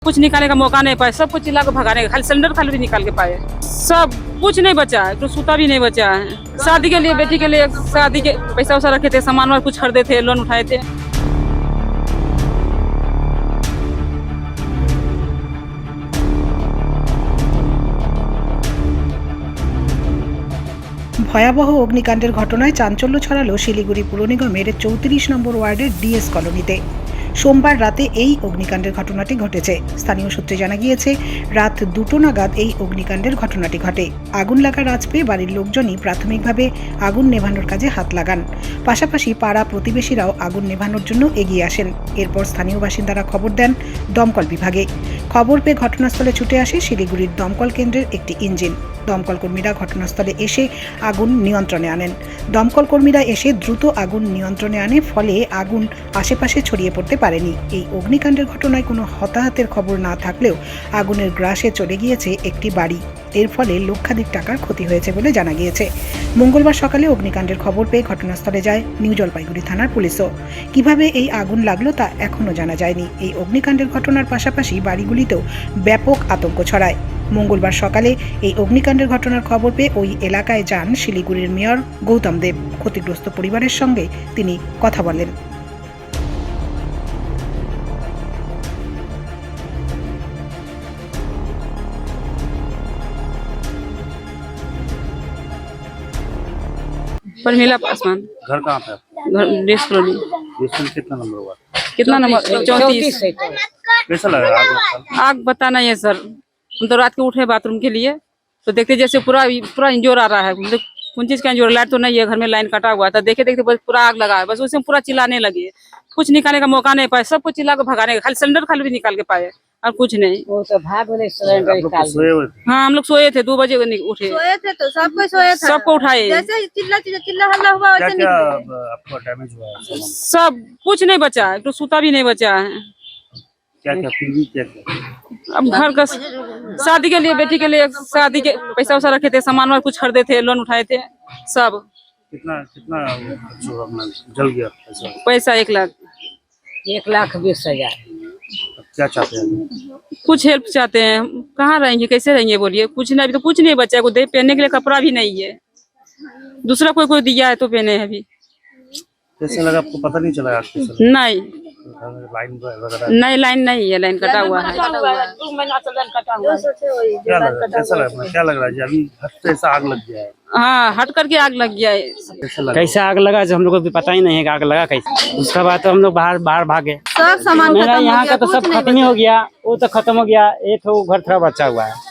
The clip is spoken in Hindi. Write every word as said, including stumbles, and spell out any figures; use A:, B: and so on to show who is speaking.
A: कुछ निकालने का मौका नहीं पाए, सब कुछ चिल्ला के भगाने का, खाली सिलेंडर खाली भी निकाल के पाए। सब कुछ नहीं बचा है, तो सूता भी नहीं बचा है। शादी के लिए, बेटी के लिए शादी के पैसा वैसा रखे थे, सामान वामान कुछ खरीदे थे, लोन उठाए थे।
B: ভয়াবহ অগ্নিকাণ্ডের ঘটনায় চাঞ্চল্য ছড়ালো শিলিগুড়ি পুর নিগমের চৌত্রিশ নম্বর ওয়ার্ডের ডিএস কলোনিতে। সোমবার রাতে এই অগ্নিকাণ্ডের ঘটনাটি ঘটেছে। স্থানীয় সূত্রে জানা গিয়েছে, রাত দুটো নাগাদ এই অগ্নিকাণ্ডের ঘটনাটি ঘটে। আগুন লাগার আঁচ পেয়ে বাড়ির লোকজনই প্রাথমিকভাবে আগুন নেভানোর কাজে হাত লাগান। পাশাপাশি পাড়া প্রতিবেশীরাও আগুন নেভানোর জন্য এগিয়ে আসেন। এরপর স্থানীয় বাসিন্দারা খবর দেন দমকল বিভাগে। খবর পেয়ে ঘটনাস্থলে ছুটে আসে শিলিগুড়ির দমকল কেন্দ্রের একটি ইঞ্জিন। দমকল কর্মীরা ঘটনাস্থলে এসে আগুন নিয়ন্ত্রণে আনেন। দমকল কর্মীরা এসে দ্রুত আগুন নিয়ন্ত্রণে আনে, ফলে আগুন আশেপাশে ছড়িয়ে পড়তে পারেনি। এই অগ্নিকাণ্ডের ঘটনায় কোনো হতাহতের খবর না থাকলেও আগুনের গ্রাসে চলে গিয়েছে একটি বাড়ি। এর ফলে লক্ষাধিক টাকার ক্ষতি হয়েছে বলে জানা গিয়েছে। মঙ্গলবার সকালে অগ্নিকাণ্ডের খবর পেয়ে ঘটনাস্থলে যায় নিউ জলপাইগুড়ি থানার পুলিশও। কিভাবে এই আগুন লাগলো তা এখনও জানা যায়নি। এই অগ্নিকাণ্ডের ঘটনার পাশাপাশি বাড়িগুলিতেও ব্যাপক আতঙ্ক ছড়ায়। মঙ্গলবার সকালে এই অগ্নিকাণ্ডের ঘটনার খবর পেয়ে ওই এলাকায় যান শিলিগুড়ির মেয়র গৌতম দেব। ক্ষতিগ্রস্ত পরিবারের সঙ্গে তিনি কথা বলেন।
A: पर मिला आसमान।
C: घर कहाँ पे?
A: घर डिस कॉलोनी।
C: डिस कॉलोनी कितना नंबर हुआ?
A: कितना नंबर? चौंतीस।
C: कैसा लगा आग?
A: आग पता नहीं है सर, हम तो रात के उठे बाथरूम के लिए, तो देखते जैसे पूरा पूरा इंजोर आ रहा है। मतलब कौन चीज का इंजोर? लाइट तो नहीं है, घर में लाइन कटा हुआ था। देखे देखते बस पूरा आग लगा है, बस उसमें पूरा चिल्लाने लगे। कुछ निकालने का मौका नहीं पाए, सब कुछ चिल्ला के भगाने का, खाली सिलेंडर खाली भी निकाल के पाए और कुछ नहीं।
D: वो तो भाग गए सिलेंडर निकाल के।
C: सोए हुए थे?
A: हाँ, हम लोग सोए थे, दो बजे उठे,
E: सोए थे तो सब कोई सोया था।
A: सबको उठाए।
E: जैसे ही चिल्ला चिल्ला चिल्ला हल्ला हुआ
C: क्या
E: वैसे
C: क्या
E: निकले।
C: अब आपको डैमेज हुआ है सामान?
A: सब कुछ नहीं बचा है, तो सूता भी नहीं बचा है।
C: क्या क्या फिर भी क्या क्या?
A: अब घर का शादी के लिए, बेटी के लिए शादी के पैसा वैसा रखे थे, सामान वामान कुछ खरीदे थे, लोन उठाए थे। सब
C: कितना कितना जो अपना जल गया पैसा?
A: पैसा एक लाख
D: एक लाख बीस हजार।
C: अब क्या चाहते हैं?
A: कुछ हेल्प चाहते हैं। कहाँ रहेंगे, कैसे रहेंगे बोलिए? कुछ नहीं, अभी तो कुछ नहीं बचा है। कोई पहनने के लिए कपड़ा भी नहीं है, दूसरा कोई कोई दिया है तो पहने है। अभी
C: कैसे लगा आपको? पता नहीं चला आग कैसे लगा?
A: नहीं
C: लाइन वगैरह
A: नहीं, लाइन नहीं है, लाइन कटा हुआ है।
D: दो महीना से लाइन कटा हुआ है।
C: क्या लगा? कैसा लगा? क्या लग रहा है जी? अभी हट से ऐसा आग लग गया है?
A: हाँ, हट करके आग लग गया है।
C: कैसा लगा?
F: कैसे आग लगा जो हम लोग को भी पता ही नहीं है कि आग लगा कैसे। उसके बाद तो हम लोग बाहर बाहर भागे।
E: सब सामान
F: मेरा
E: खत्म हो
F: यहाँ
E: गया,
F: का तो
E: कुछ
F: सब
E: नहीं
F: खत्म ही हो गया, वो तो खत्म हो गया। एक तो घर थोड़ा बचा हुआ है।